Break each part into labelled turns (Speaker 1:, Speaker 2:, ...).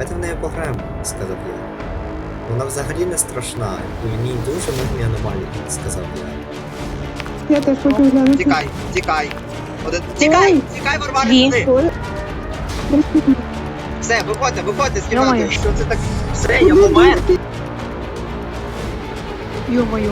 Speaker 1: давайте в неї пограємо, сказав я. Вона взагалі не страшна, і в ній дуже мирні аномалії, сказав я.
Speaker 2: Я теж хочу глянути.
Speaker 3: Тікай, тікай. Тікай, тікай, Варвара,
Speaker 4: Дві.
Speaker 3: сюди.
Speaker 2: Ой.
Speaker 3: Все, виходьте, знімати.
Speaker 4: Йо-моє.
Speaker 3: Що це так? Все, я помер.
Speaker 4: Ё-моё.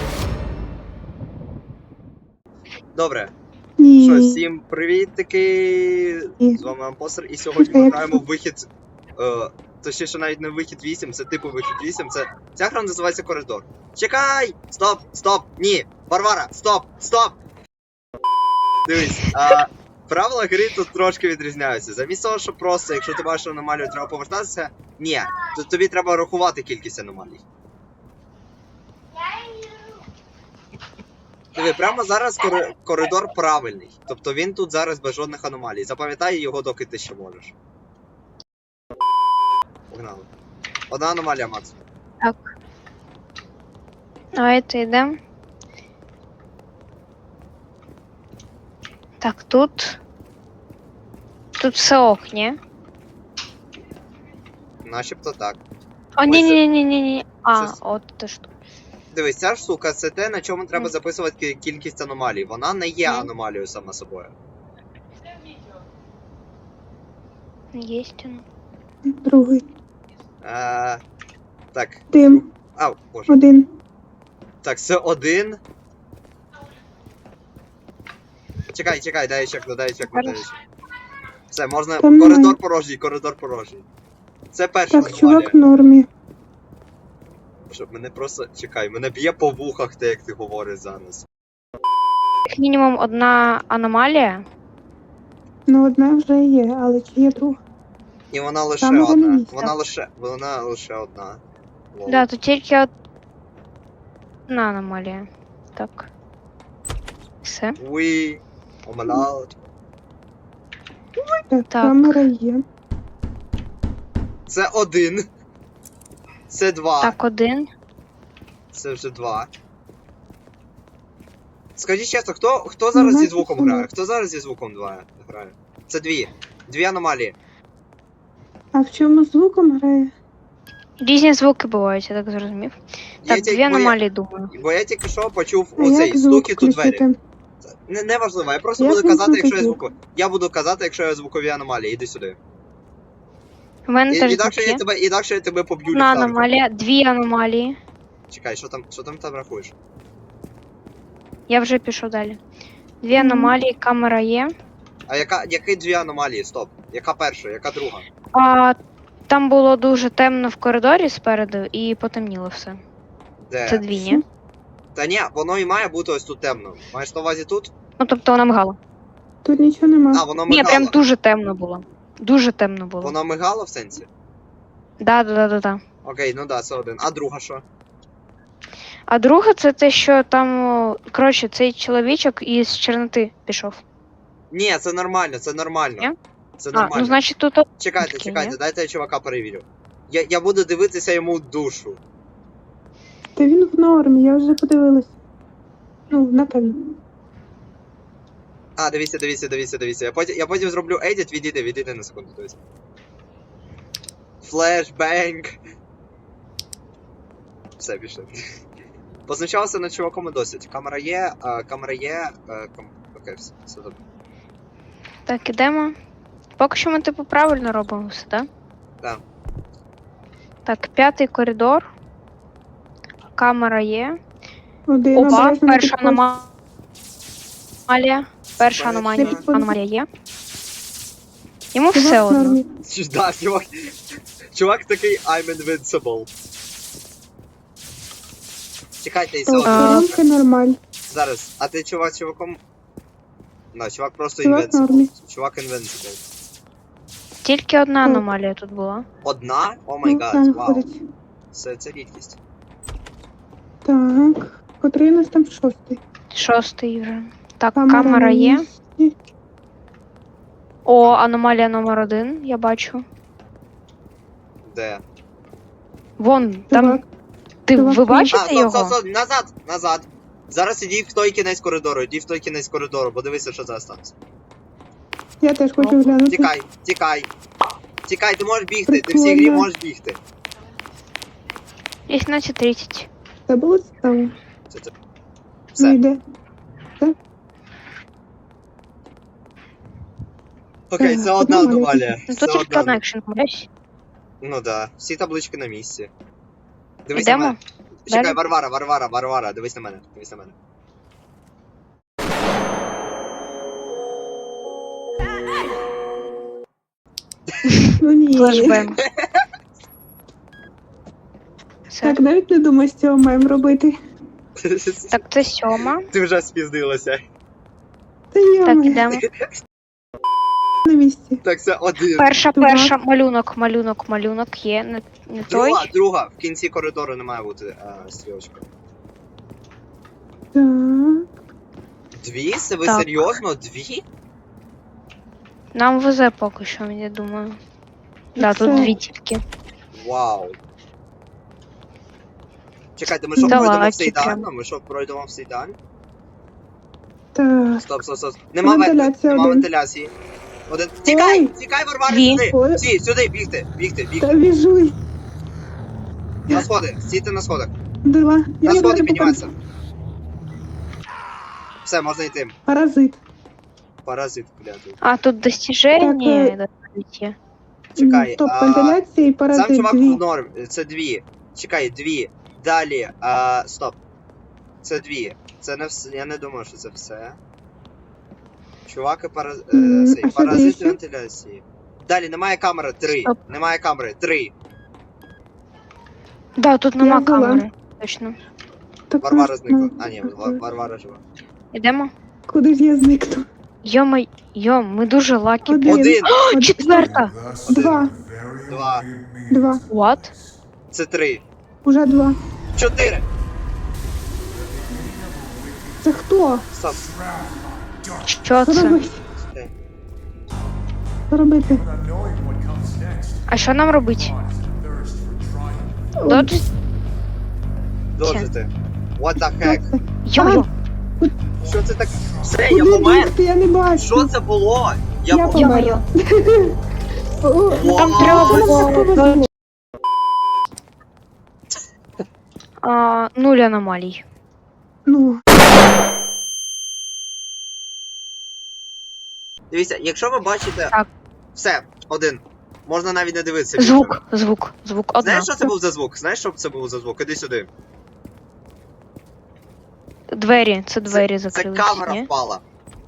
Speaker 3: Добре.
Speaker 2: Ні.
Speaker 3: Що, всім привіт-таки.
Speaker 2: Ні.
Speaker 3: З вами Ампостер, і сьогодні ми граємо в вихід. Точніше, навіть не вихід 8, це типу вихід 8, ця гра називається Коридор. Чекай! Стоп! Ні! Варвара! Стоп! Дивись, правила гри тут трошки відрізняються. Замість того, що просто, якщо ти бачиш аномалію, треба повертатися, ні, тут тобі треба рахувати кількість аномалій. Диви, прямо зараз коридор правильний. Тобто він тут зараз без жодних аномалій. Запам'ятай його, доки ти ще можеш. Погнали. Одна аномалія, Макс.
Speaker 4: Так. Давайте йдемо. Так, тут. Тут все ок, ні?
Speaker 3: Начебто так.
Speaker 4: О, ні. А,
Speaker 3: Щось.
Speaker 4: от ти що.
Speaker 3: Дивись, ця штука це те, на чому треба записувати кількість аномалій. Вона не є
Speaker 4: Мгм.
Speaker 3: аномалією сама собою.
Speaker 4: Єсть воно.
Speaker 2: Другий.
Speaker 3: Так.
Speaker 2: Дим.
Speaker 3: Ау, боже.
Speaker 2: Один.
Speaker 3: Так, це один. Чекай, дай чекну. Все, можна.
Speaker 2: Там
Speaker 3: Коридор порожній. Це перша
Speaker 2: Так,
Speaker 3: аномалія.
Speaker 2: чувак в нормі.
Speaker 3: Щоб мене просто. Чекай, мене б'є по вухах те, як ти говориш зараз.
Speaker 4: Як мінімум одна аномалія.
Speaker 2: Ну, одна вже є, але чи є друга?
Speaker 3: І вона лише
Speaker 2: Там вже
Speaker 3: одна.
Speaker 2: не місце.
Speaker 3: Вона лише одна. Лол.
Speaker 4: Да, тут тільки одна аномалія. Так. Все.
Speaker 3: We. Oh my lord.
Speaker 2: Так,
Speaker 4: Так.
Speaker 2: камера є.
Speaker 3: Це один. Це два.
Speaker 4: Так, один.
Speaker 3: Це вже два. Скажіть чесно, хто зараз зі звуком
Speaker 2: Нема
Speaker 3: грає? Хто зараз зі звуком грає? Це дві. Дві аномалії.
Speaker 2: А в чому звуком грає?
Speaker 4: Різні звуки бувають, я так зрозумів. Так, дві аномалії, думаю.
Speaker 3: Бо я тільки що почув
Speaker 2: А
Speaker 3: оцей
Speaker 2: як звук
Speaker 3: стукіт у двері.
Speaker 2: включити?
Speaker 3: Неважливо, я просто
Speaker 2: Як
Speaker 3: буду
Speaker 2: він
Speaker 3: казати, якщо я
Speaker 2: звук?
Speaker 3: звуку. Я буду казати, якщо я звукові аномалії. Іди сюди.
Speaker 4: У мене теж
Speaker 3: Інакше
Speaker 4: звук є.
Speaker 3: інакше я тебе поб'ю
Speaker 4: Одна
Speaker 3: ліхтариком.
Speaker 4: аномалія, дві аномалії.
Speaker 3: Чекай, що там рахуєш?
Speaker 4: Я вже пішов далі. Дві
Speaker 2: Мгм.
Speaker 4: аномалії, камера є.
Speaker 3: А які дві аномалії? Стоп. Яка перша, яка друга?
Speaker 4: А там було дуже темно в коридорі спереду і потемніло все.
Speaker 3: Де?
Speaker 4: Це дві, ні?
Speaker 3: Та ні, воно і має бути ось тут темно. Маєш на увазі тут?
Speaker 4: Ну тобто вона мигала.
Speaker 2: Тут нічого нема.
Speaker 3: А, воно
Speaker 4: Ні,
Speaker 3: мигало.
Speaker 4: прям дуже темно було. Дуже темно було.
Speaker 3: Воно мигало в сенсі?
Speaker 4: Да.
Speaker 3: Окей, ну да, це один. А друга що?
Speaker 4: А друге, це те, що там, коротше, цей чоловічок із Чорноти пішов.
Speaker 3: Ні, це нормально.
Speaker 4: Ні?
Speaker 3: Це
Speaker 4: А,
Speaker 3: нормально.
Speaker 4: ну значить тут.
Speaker 3: Чекайте,
Speaker 4: Окей, ні?
Speaker 3: дайте я чувака перевірю. Я буду дивитися йому в душу.
Speaker 2: Та він в нормі, я вже подивилась. Ну, напевно.
Speaker 3: А, дивіться. Я потім зроблю едіт, відійди на секунду, дивіться. Флешбенг. Все, пішли. Позначалося над чуваком і досить. Камера є. Окей, все добре.
Speaker 4: Так, ідемо. Поки що ми типу правильно робимо все, так?
Speaker 3: Так.
Speaker 4: Так, п'ятий коридор. Камера є.
Speaker 2: Один
Speaker 4: Опа,
Speaker 2: обережно не
Speaker 4: перша
Speaker 2: підходь.
Speaker 4: аномалія. Перша
Speaker 3: Перша.
Speaker 4: аномалія є. Йому
Speaker 2: Чувак
Speaker 4: все
Speaker 2: в
Speaker 4: одно.
Speaker 2: нормі.
Speaker 3: Да, чувак такий I'm invincible. Чекайте, і все
Speaker 2: Так,
Speaker 3: одно.
Speaker 2: коронки нормаль.
Speaker 3: Зараз, а ти чуваком? Да, чувак просто
Speaker 2: Чувак
Speaker 3: invincible.
Speaker 2: нормі.
Speaker 3: Чувак invincible.
Speaker 4: Тільки одна
Speaker 2: Так.
Speaker 4: аномалія тут була.
Speaker 3: Одна? О май
Speaker 2: Ну,
Speaker 3: гад,
Speaker 2: там
Speaker 3: вау.
Speaker 2: ходить.
Speaker 3: Це рідкість.
Speaker 2: Так. Котрий у нас там шостий?
Speaker 4: Шостий вже. Так,
Speaker 2: Камера
Speaker 4: камера
Speaker 2: на
Speaker 4: є.
Speaker 2: місці.
Speaker 4: О, аномалія номер 1, я бачу.
Speaker 3: Де?
Speaker 4: Вон, там.
Speaker 2: Чувак.
Speaker 4: Ви
Speaker 2: чувак,
Speaker 4: бачите його?
Speaker 3: Стоп, назад. Зараз іди в той кінець коридору, бо дивися, що зараз станеться.
Speaker 2: Я теж хочу глянути.
Speaker 3: Тікай. Тікай, ти можеш бігти, ти в цій грі
Speaker 2: Прикольно.
Speaker 3: можеш бігти.
Speaker 4: 18:30.
Speaker 2: Це було цікаво.
Speaker 3: Це.
Speaker 2: Ну
Speaker 3: Все.
Speaker 2: йде.
Speaker 3: Окей, це одна
Speaker 2: Подумали.
Speaker 3: аномалія.
Speaker 4: Ну
Speaker 3: Це
Speaker 4: тут тільки одна
Speaker 3: одна.
Speaker 4: екшн десь.
Speaker 3: Ну да, всі таблички на місці. Дивись на
Speaker 4: Йдемо?
Speaker 3: мене. Чекай,
Speaker 4: Далі?
Speaker 3: Варвара, дивись на мене, дивись на мене.
Speaker 2: Ну ні.
Speaker 4: Флешбем. Все.
Speaker 2: Так, навіть не думаю, з цього маємо робити.
Speaker 4: Так, це 7.
Speaker 3: Ти вже спіздилася.
Speaker 2: Та я
Speaker 4: Так, ідемо.
Speaker 2: на місці.
Speaker 3: Так, це один.
Speaker 4: Перша, малюнок є, не той.
Speaker 3: Друга, в кінці коридору не має бути стрілочка.
Speaker 2: Так.
Speaker 3: Дві? Це ви
Speaker 4: Так.
Speaker 3: серйозно? Дві?
Speaker 4: Нам везе поки що, я думаю. Да, тут
Speaker 2: Це-
Speaker 4: 2 тільки.
Speaker 3: Вау. Чекайте, ми що
Speaker 4: Давай,
Speaker 3: пройдемо все
Speaker 4: прям.
Speaker 3: ідеально? Ми що пройдемо все ідеально?
Speaker 2: Так.
Speaker 3: Стоп. Нема
Speaker 2: Вентиляція один.
Speaker 3: вентиляції. Один. Тікай!
Speaker 2: Ой.
Speaker 3: Тікай, Варвара,
Speaker 4: Дві.
Speaker 3: сюди!
Speaker 2: Ой.
Speaker 3: Всі, сюди, бігти.
Speaker 2: Та біжуй.
Speaker 3: На сходи, стійте на сходах.
Speaker 2: Два.
Speaker 3: На
Speaker 2: Я
Speaker 3: сходи
Speaker 2: не
Speaker 3: піднімайся. Все, можна йти.
Speaker 2: Паразит.
Speaker 3: Паразит, клятий.
Speaker 4: А, тут достіження
Speaker 2: Так,
Speaker 4: є.
Speaker 3: Чекай,
Speaker 2: Топ вентиляція і
Speaker 3: сам
Speaker 2: паразит
Speaker 3: чувак
Speaker 2: дві.
Speaker 3: в норм, це дві. Чекай, дві. Далі, стоп. Це дві. Це не все, я не думаю, що це все. Чувак і
Speaker 2: А що
Speaker 3: паразит
Speaker 2: більше?
Speaker 3: вентиляції. Далі, немає камери, 3.
Speaker 4: Стоп.
Speaker 3: Немає камери, 3.
Speaker 4: Да, тут нема
Speaker 2: Я була.
Speaker 4: камери. Точно.
Speaker 2: Так,
Speaker 3: Варвара
Speaker 2: ну,
Speaker 3: зникла.
Speaker 2: ну,
Speaker 3: А, ні,
Speaker 2: так,
Speaker 3: Варвара жива.
Speaker 4: Ідемо?
Speaker 2: Куди ж я зникну?
Speaker 4: Йом, ми дуже лакі.
Speaker 2: Один.
Speaker 3: Один.
Speaker 4: Четверта.
Speaker 2: Два.
Speaker 3: Два.
Speaker 2: Два.
Speaker 4: What?
Speaker 3: Це 3.
Speaker 2: Уже два.
Speaker 3: 4.
Speaker 2: Це хто?
Speaker 3: Стоп.
Speaker 4: Що
Speaker 2: Що
Speaker 4: це?
Speaker 2: робити? Що робити?
Speaker 4: А що нам робити?
Speaker 2: О,
Speaker 4: Додж?
Speaker 3: Доджити. What the
Speaker 2: що
Speaker 3: heck?
Speaker 2: це?
Speaker 4: Йо-йо.
Speaker 3: Що це таке? Все, я
Speaker 2: Куди
Speaker 3: помер.
Speaker 2: бігти? Я не бачу.
Speaker 3: Що це було?
Speaker 2: Я
Speaker 3: помер.
Speaker 2: померла. О,
Speaker 4: Там
Speaker 3: Вау.
Speaker 4: треба
Speaker 2: Нам так
Speaker 4: було
Speaker 2: повезло.
Speaker 4: нуль аномалій.
Speaker 2: Ну,
Speaker 3: Дивіться, якщо ви бачите.
Speaker 4: Так.
Speaker 3: Все, один. Можна навіть не дивитися. більше.
Speaker 4: Звук. Одна.
Speaker 3: Знаєш, що це був за звук? Знаєш, що це був за звук? Іди сюди.
Speaker 4: Двері, це двері
Speaker 3: Це
Speaker 4: закрилися,
Speaker 3: камера
Speaker 4: ні?
Speaker 3: впала.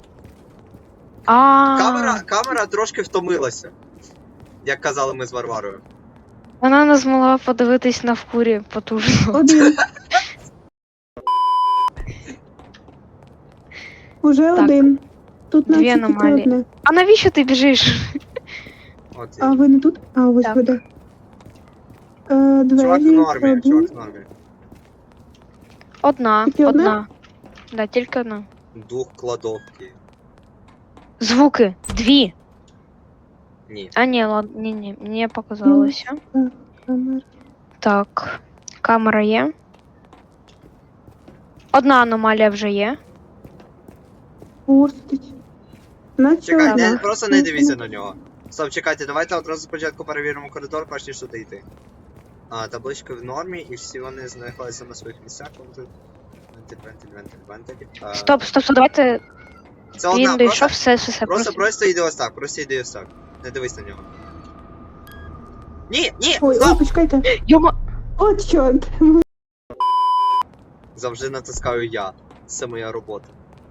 Speaker 4: А,
Speaker 3: Камера трошки втомилася. Як казали ми з Варварою.
Speaker 4: вона не змогла подивитись на вкурі потужно.
Speaker 2: один. Уже
Speaker 4: Так.
Speaker 2: один. Тут
Speaker 4: Дві
Speaker 2: наче тільки
Speaker 4: аномалії.
Speaker 2: одне.
Speaker 4: А навіщо ти біжиш?
Speaker 3: От
Speaker 2: А ви не тут? А, ось
Speaker 4: Так.
Speaker 2: ви де.
Speaker 3: чувак в
Speaker 2: Двері,
Speaker 3: нормі,
Speaker 2: один.
Speaker 3: чувак в нормі.
Speaker 4: Одна.
Speaker 2: Тільки одна?
Speaker 4: Да, тільки одна.
Speaker 3: Дух кладовки.
Speaker 4: Звуки. 2.
Speaker 3: Ні.
Speaker 4: А, ні, ладно, ні, мені показалося.
Speaker 2: Камера.
Speaker 4: Так, камера є. Одна аномалія вже є.
Speaker 2: Пустить. Наче
Speaker 3: Чекай,
Speaker 2: одна.
Speaker 3: просто не дивіться на нього. Стоп, чекайте, давайте одразу спочатку перевіримо коридор, перш ніж туди йти. Таблички в нормі, і всі вони знаходяться на своїх місцях. Вентиль.
Speaker 4: Стоп, давайте
Speaker 3: Це одна,
Speaker 4: він дійшов,
Speaker 3: просто,
Speaker 4: все.
Speaker 3: просто йди ось так, просто йди ось так. Не дивись на нього. Ні,
Speaker 2: Ой,
Speaker 3: стоп!
Speaker 2: почекайте.
Speaker 4: Йома,
Speaker 2: От чорт.
Speaker 3: Завжди натискаю я. Це моя робота.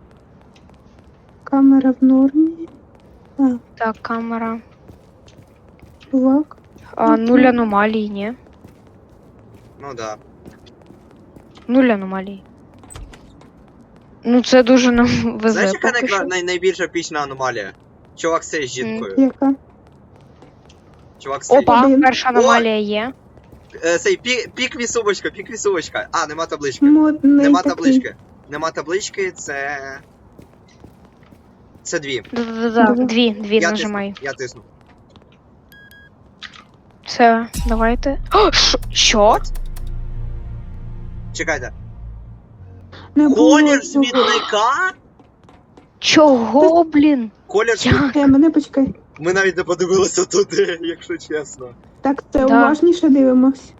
Speaker 2: Камера в нормі.
Speaker 4: так, камера.
Speaker 2: Чувак.
Speaker 4: Нуль аномалій, ні.
Speaker 3: Ну да.
Speaker 4: 0 аномалій. Ну це дуже нам везе.
Speaker 3: Знаєш, яка
Speaker 4: поки що.
Speaker 3: найбільша пічна аномалія? Чувак з жінкою.
Speaker 2: Яка?
Speaker 3: Чувак з
Speaker 4: Опа,
Speaker 2: Один.
Speaker 4: перша аномалія є.
Speaker 3: Цей пік вісувочка. А, нема таблички.
Speaker 2: Модний
Speaker 3: Нема
Speaker 2: такий.
Speaker 3: таблички. Нема таблички, це. Це дві.
Speaker 4: Да, дві
Speaker 3: Я
Speaker 4: нажимай.
Speaker 3: тисну, я тисну.
Speaker 4: Все, давайте. О, що?
Speaker 3: Чекайте.
Speaker 2: Не було
Speaker 3: Колір
Speaker 2: цього.
Speaker 3: смітника?
Speaker 4: Чого, блін?
Speaker 3: Колір
Speaker 4: Як?
Speaker 2: Мене почекай.
Speaker 3: Ми навіть не подивилися туди, якщо чесно.
Speaker 2: Так, це
Speaker 4: Да.
Speaker 2: уважніше дивимось.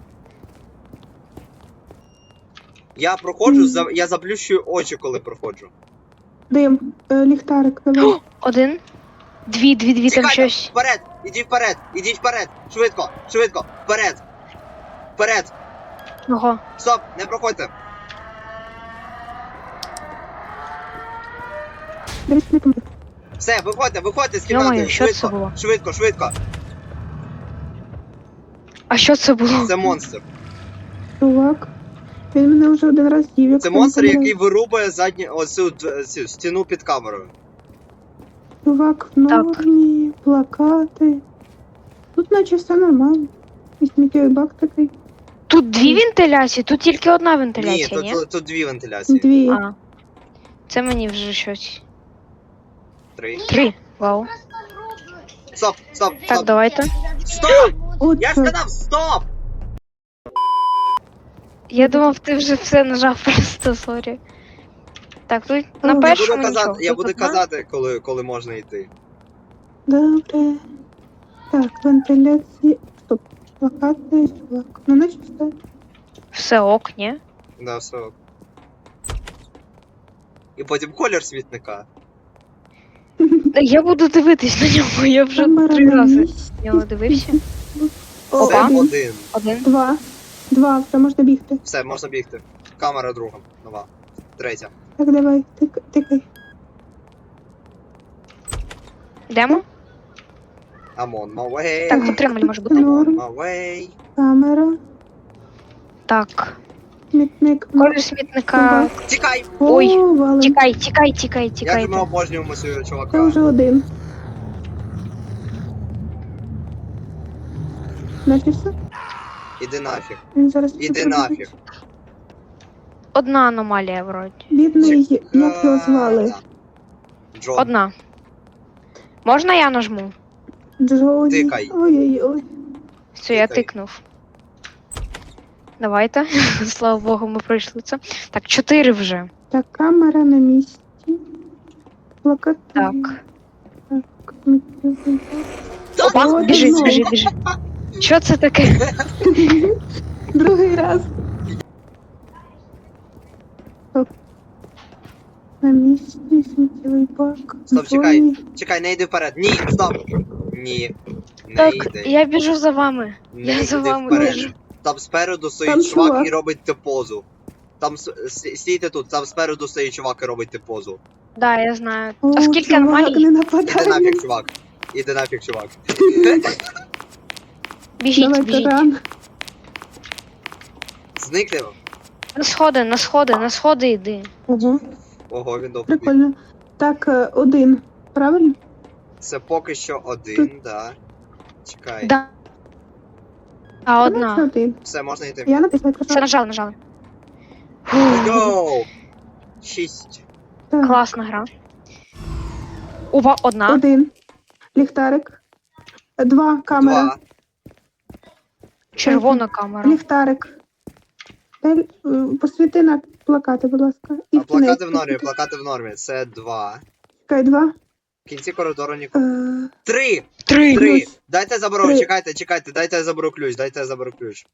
Speaker 3: Я проходжу, я заплющую очі, коли проходжу.
Speaker 2: Дим, ліхтарик, давай.
Speaker 4: Один. Дві, там
Speaker 3: Чекайте,
Speaker 4: щось.
Speaker 3: вперед, ідіть вперед, швидко, вперед, вперед,
Speaker 4: Ого.
Speaker 3: стоп, не проходьте.
Speaker 2: Дивись, не помилуй.
Speaker 3: Все, виходьте з
Speaker 4: Йо-моє,
Speaker 3: кімнати,
Speaker 4: що це було?
Speaker 3: швидко.
Speaker 4: А що це було?
Speaker 3: Це монстр.
Speaker 2: Чувак. Він мене вже один раз їв. як
Speaker 3: Це
Speaker 2: він
Speaker 3: монстр,
Speaker 2: помирає.
Speaker 3: який вирубає цю стіну під камерою.
Speaker 2: Чувак в нормі, плакати. Тут наче все нормально. І сміттєвий бак такий.
Speaker 4: Тут дві вентиляції, тут тільки одна
Speaker 3: Ні,
Speaker 4: вентиляція, ні?
Speaker 3: тут дві вентиляції.
Speaker 2: Дві.
Speaker 4: А. Це мені вже щось.
Speaker 3: 3.
Speaker 4: 3. Вау.
Speaker 3: Стоп.
Speaker 4: Так, давайте.
Speaker 3: Стоп!
Speaker 2: От
Speaker 3: Я ж
Speaker 2: це.
Speaker 3: сказав, стоп!
Speaker 4: Я думав, ти вже все нажав просто, сорі. Так, тут на
Speaker 2: Я буду
Speaker 4: першому нічого.
Speaker 3: Я
Speaker 4: Тут
Speaker 3: буду
Speaker 4: одна.
Speaker 3: казати, коли можна йти.
Speaker 2: Добре. Так, вентиляції. Стоп. Плакати, чувак. Ну, наче все.
Speaker 4: Все ок, ні?
Speaker 3: Да, все. І потім колір світника.
Speaker 4: Я буду дивитись на нього, я вже
Speaker 2: Камера
Speaker 4: 3
Speaker 2: на
Speaker 4: рази
Speaker 2: місці.
Speaker 4: на нього дивився.
Speaker 3: Це
Speaker 4: Опа.
Speaker 3: один.
Speaker 4: Один.
Speaker 2: Два, вже можна бігти.
Speaker 3: Все, можна бігти. Камера друга. Нова. Третя.
Speaker 2: Так, давай, тикай.
Speaker 4: Йдемо?
Speaker 3: I'm on my way.
Speaker 4: Так, затримали, може бути.
Speaker 3: I'm on
Speaker 2: Норм.
Speaker 3: my way.
Speaker 2: Камера,
Speaker 4: Так.
Speaker 2: смітник.
Speaker 4: Колір смітника.
Speaker 3: Тікай!
Speaker 4: Ой,
Speaker 2: Валим.
Speaker 4: Тікай.
Speaker 3: Як же ми обожнюємо цього
Speaker 2: Це
Speaker 3: чувака.
Speaker 2: вже один. Наче все?
Speaker 3: Іди нафіг.
Speaker 2: Він зараз
Speaker 3: Іди
Speaker 2: тут
Speaker 3: нафіг.
Speaker 2: робить.
Speaker 4: Одна аномалія вроді.
Speaker 2: Бідний, як його звали?
Speaker 3: Джон.
Speaker 4: Одна. Можна я нажму?
Speaker 2: Джоні.
Speaker 3: Тикай.
Speaker 2: Ой-ой-ой.
Speaker 4: Все, я
Speaker 3: Тикай.
Speaker 4: тикнув. Давайте. Слава Богу, ми пройшли це. Так, 4 вже.
Speaker 2: Так, камера на місці. Плакати.
Speaker 4: Так.
Speaker 2: Так, сміттєвий бак.
Speaker 4: Опа,
Speaker 2: Ой,
Speaker 4: біжить,
Speaker 2: ну.
Speaker 4: біжить. Що це таке?
Speaker 2: Другий раз. Так. На місці сміттєвий бак.
Speaker 3: Стоп, чекай.
Speaker 2: Джоні.
Speaker 3: Чекай, не йди вперед. Ні, стоп. Ні. Не
Speaker 4: Так,
Speaker 3: йди.
Speaker 4: я біжу за вами.
Speaker 3: Не
Speaker 4: Я за
Speaker 3: йди
Speaker 4: вами
Speaker 3: вперед.
Speaker 4: біжу.
Speaker 3: Там спереду
Speaker 2: Там
Speaker 3: стоїть чувак
Speaker 2: чувак.
Speaker 3: і робить ти позу. Там стійте тут, там спереду стоїть чувак і робить ти позу.
Speaker 4: Да, я знаю.
Speaker 2: О,
Speaker 4: А скільки
Speaker 2: чувак,
Speaker 4: аномалій?
Speaker 2: не
Speaker 3: Іди
Speaker 2: нападай.
Speaker 3: нафіг, чувак. Іди нафіг, чувак.
Speaker 4: Біжіть,
Speaker 2: Давай,
Speaker 4: біжіть.
Speaker 2: таран.
Speaker 3: Зникни.
Speaker 4: На сходи йди.
Speaker 2: Ого,
Speaker 3: Ого, він довго біг.
Speaker 2: прикольно. Так, один. Правильно?
Speaker 3: Це поки що один, да. Чекай.
Speaker 4: Да. А
Speaker 2: Це
Speaker 4: одна.
Speaker 2: один.
Speaker 3: Все, можна йти.
Speaker 2: Я написала
Speaker 4: Все, нажали.
Speaker 3: Йоу! 6.
Speaker 2: Так,
Speaker 4: Класна гра. Опа, одна.
Speaker 2: один. Ліхтарик. Два. Камера.
Speaker 3: 2.
Speaker 4: Червона камера.
Speaker 2: Ліхтарик. Посвіти на плакати, будь ласка. І
Speaker 3: А плакати
Speaker 2: кінець
Speaker 3: в нормі,
Speaker 2: посвіти.
Speaker 3: плакати в нормі. Це 2.
Speaker 2: Чекай, два.
Speaker 3: В кінці коридору нікого. 3!
Speaker 4: 3.
Speaker 3: 3!
Speaker 2: Ключ.
Speaker 3: Дайте я заберу,
Speaker 2: Три.
Speaker 3: чекайте, дайте я заберу ключ.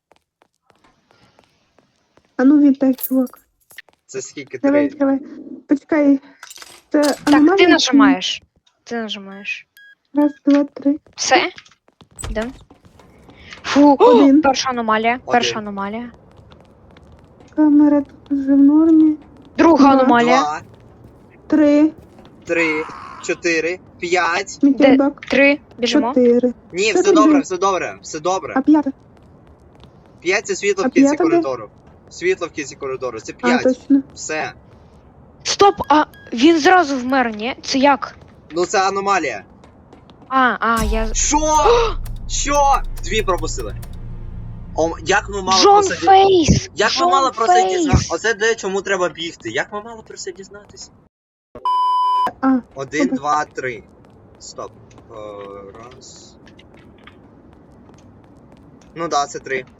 Speaker 2: А ну віддай, чувак.
Speaker 3: Це скільки?
Speaker 2: Давай,
Speaker 3: 3.
Speaker 2: давай. Почекай. Це
Speaker 4: Так,
Speaker 2: аномалія
Speaker 4: ти
Speaker 2: чи ні?
Speaker 4: нажимаєш. Ти нажимаєш.
Speaker 2: Раз, два, три.
Speaker 4: Все? Йдемо. Фу,
Speaker 2: Один.
Speaker 4: перша аномалія. Перша
Speaker 3: Один.
Speaker 4: аномалія.
Speaker 2: Камера тут вже в нормі.
Speaker 4: Друга
Speaker 2: Два.
Speaker 4: аномалія.
Speaker 3: 2,
Speaker 2: Три.
Speaker 3: 3, 4, 5.
Speaker 2: Сміттєвий
Speaker 4: Де?
Speaker 2: бак.
Speaker 4: 3. Біжимо.
Speaker 2: 4.
Speaker 3: Ні,
Speaker 2: Це
Speaker 3: все
Speaker 2: тобі.
Speaker 3: добре, все добре, все добре.
Speaker 2: А п'ята?
Speaker 3: 5 це світло
Speaker 2: А
Speaker 3: в кінці
Speaker 2: п'ята де?
Speaker 3: коридору. Світло в кінці коридору, це
Speaker 2: А,
Speaker 3: 5.
Speaker 2: точно.
Speaker 3: Все.
Speaker 4: Стоп, а він зразу вмер, ні? Це як?
Speaker 3: Ну це аномалія.
Speaker 4: Я...
Speaker 3: Що? Що? 2 пропустили. О, як ми мали
Speaker 4: Джон
Speaker 3: про це
Speaker 4: Фейс!
Speaker 3: Як ми
Speaker 4: Джон
Speaker 3: мали про це
Speaker 4: Фейс!
Speaker 3: дізнатися? Оце де чому треба бігти. Як ми мали про це дізнатися?
Speaker 2: А,
Speaker 3: 1,
Speaker 2: добре.
Speaker 3: 2, 3. Стоп. Раз. Ну да, це 3.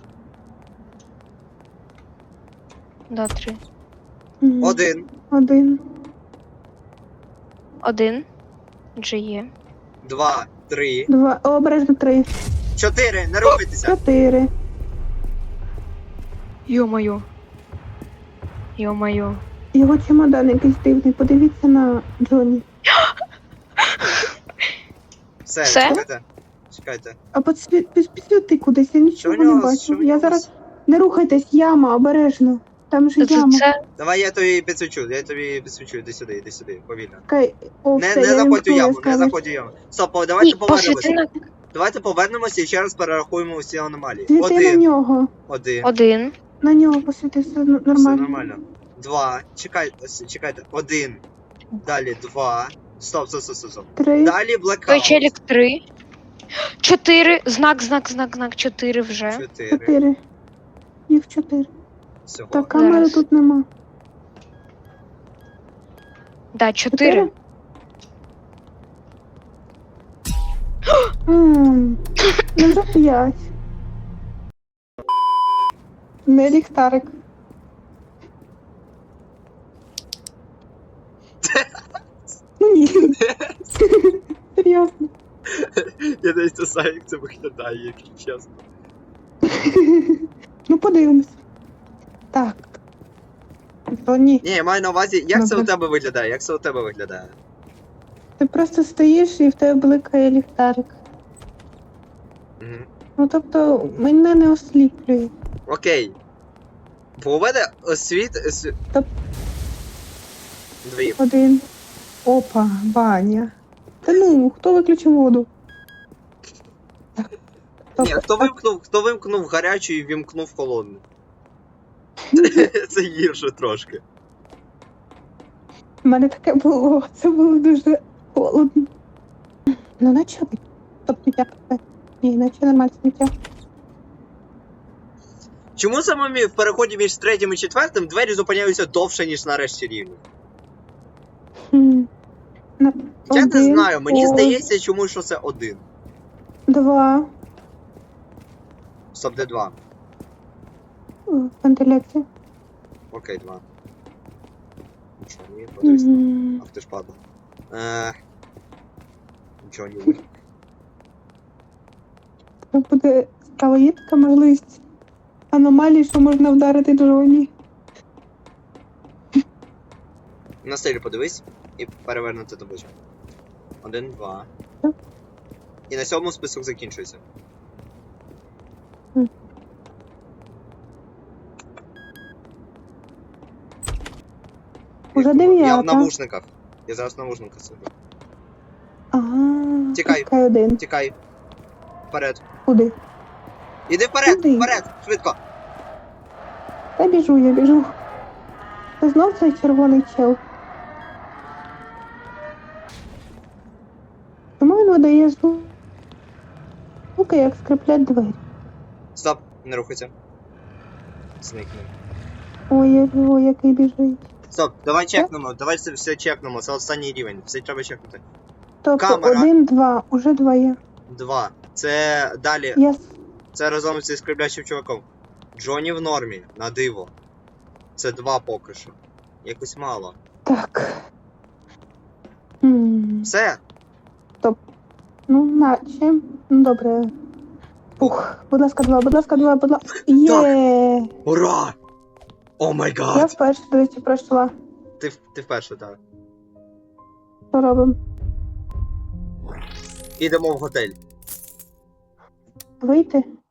Speaker 4: Да, 3.
Speaker 2: мгм.
Speaker 3: 1.
Speaker 2: Один.
Speaker 4: 1. Вже є.
Speaker 3: 2, 3,
Speaker 2: 2, обережно 3,
Speaker 3: 4, не рухайтеся.
Speaker 2: 4.
Speaker 4: Йо-моє. Йо-моє.
Speaker 2: Його чемодан якийсь дивний. Подивіться на Джоні.
Speaker 3: Все,
Speaker 4: Все?
Speaker 3: чекайте. Чекайте.
Speaker 2: А підсвіти кудись, я нічого
Speaker 3: Що в
Speaker 2: не
Speaker 3: нього?
Speaker 2: бачу.
Speaker 3: Що в
Speaker 2: Я
Speaker 3: нього?
Speaker 2: зараз. Не рухайтесь, яма, обережно. Там же яма.
Speaker 4: Це
Speaker 3: Давай я тобі підсвічу, іди сюди, повільно.
Speaker 2: Чекай. О,
Speaker 3: Не
Speaker 2: все, я
Speaker 3: заходь у
Speaker 2: вімкнула
Speaker 3: яму, не
Speaker 2: яскравість.
Speaker 3: заходь у яму. Стоп, давайте
Speaker 4: ні, посвіти
Speaker 3: повернемося.
Speaker 4: на
Speaker 3: Давайте повернемося і ще раз перерахуємо усі аномалії.
Speaker 2: Світи на
Speaker 3: 1,
Speaker 2: нього.
Speaker 3: 1,
Speaker 4: один.
Speaker 2: На нього посвіти, все
Speaker 3: все
Speaker 2: нормально.
Speaker 3: нормально. 2, чекайте, 1, далі 2, стоп.
Speaker 2: 3.
Speaker 3: Далі
Speaker 4: Той
Speaker 3: блекаут.
Speaker 4: челік 3. 4. Знак, 4 вже.
Speaker 3: 4,
Speaker 2: 4. Їх 4.
Speaker 3: всього.
Speaker 2: Так, камери
Speaker 4: Зараз.
Speaker 2: тут нема.
Speaker 4: Да, 4.
Speaker 2: Ну вже 5. Не ліхтарик. Ну ні. Серйозно.
Speaker 3: Я навіть не знаю, як це виглядає, якщо чесно.
Speaker 2: Ну подивимось. Так. То ні.
Speaker 3: Ні, я маю на увазі, як це у
Speaker 2: Добре.
Speaker 3: тебе виглядає?
Speaker 2: Ти просто стоїш і в тебе бликає ліхтарик.
Speaker 3: Угу.
Speaker 2: Ну тобто мене не осліплює.
Speaker 3: Окей. Бо у мене
Speaker 2: Топ.
Speaker 3: 2.
Speaker 2: 1. Опа, баня. Та ну, хто виключив воду?
Speaker 3: Ні, хто вимкнув гарячу і вімкнув холодну? Це гірше трошки.
Speaker 2: У мене таке було, це було дуже холодно. Ну наче ви. Тобто я. Ні, наче нормально сміття.
Speaker 3: Чому саме в переході між третім і четвертим двері зупиняються довше, ніж на решті рівнів?
Speaker 2: Хм.
Speaker 3: Я не знаю, мені
Speaker 2: О,
Speaker 3: здається, чому що це 1.
Speaker 2: 2.
Speaker 3: Стоп, де 2?
Speaker 2: Вентиляція.
Speaker 3: Окей, 2. Нічого, ні, подивись.
Speaker 2: Мгм.
Speaker 3: Ах ти ж падла. Нічого не буде.
Speaker 2: Це буде справа є така можливість аномалії, що можна вдарити Джоні.
Speaker 3: На стелю подивись і перевернути табличку. 1, 2.
Speaker 2: Так.
Speaker 3: І на 7 список закінчується.
Speaker 2: Уже
Speaker 3: Я в
Speaker 2: 9.
Speaker 3: навушниках. Я зараз в навушниках сиджу.
Speaker 2: Ага.
Speaker 3: Тікай.
Speaker 2: Чекай 1.
Speaker 3: Тікай. Вперед.
Speaker 2: Куди?
Speaker 3: Іди вперед!
Speaker 2: Куди?
Speaker 3: Вперед! Швидко!
Speaker 2: Та біжу, я біжу. Це знов цей червоний чел. Чому він видає звуки, як скриплять двері?
Speaker 3: Стоп, не рухайся. Зникни.
Speaker 2: Ой, який біжить.
Speaker 3: Стоп, давай чекнемо, давай це все чекнемо, це останній рівень, все треба чекнути.
Speaker 2: Тобто
Speaker 3: Камера.
Speaker 2: 1, 2, уже 2 є.
Speaker 3: 2. Це далі.
Speaker 2: Я...
Speaker 3: Це разом зі скриплячим чуваком. Джоні в нормі, на диво. Це 2 поки що. Якось мало.
Speaker 2: Так.
Speaker 3: Все.
Speaker 2: Ну, наче. Ну, добре. Ух, будь ласка, 2, будь ласка, 2, будь ласка. Є!
Speaker 3: Ура! О май
Speaker 2: Я
Speaker 3: гад!
Speaker 2: вперше, до речі, пройшла.
Speaker 3: Ти вперше, так.
Speaker 2: Що робимо?
Speaker 3: Ідемо в готель.
Speaker 2: Вийти?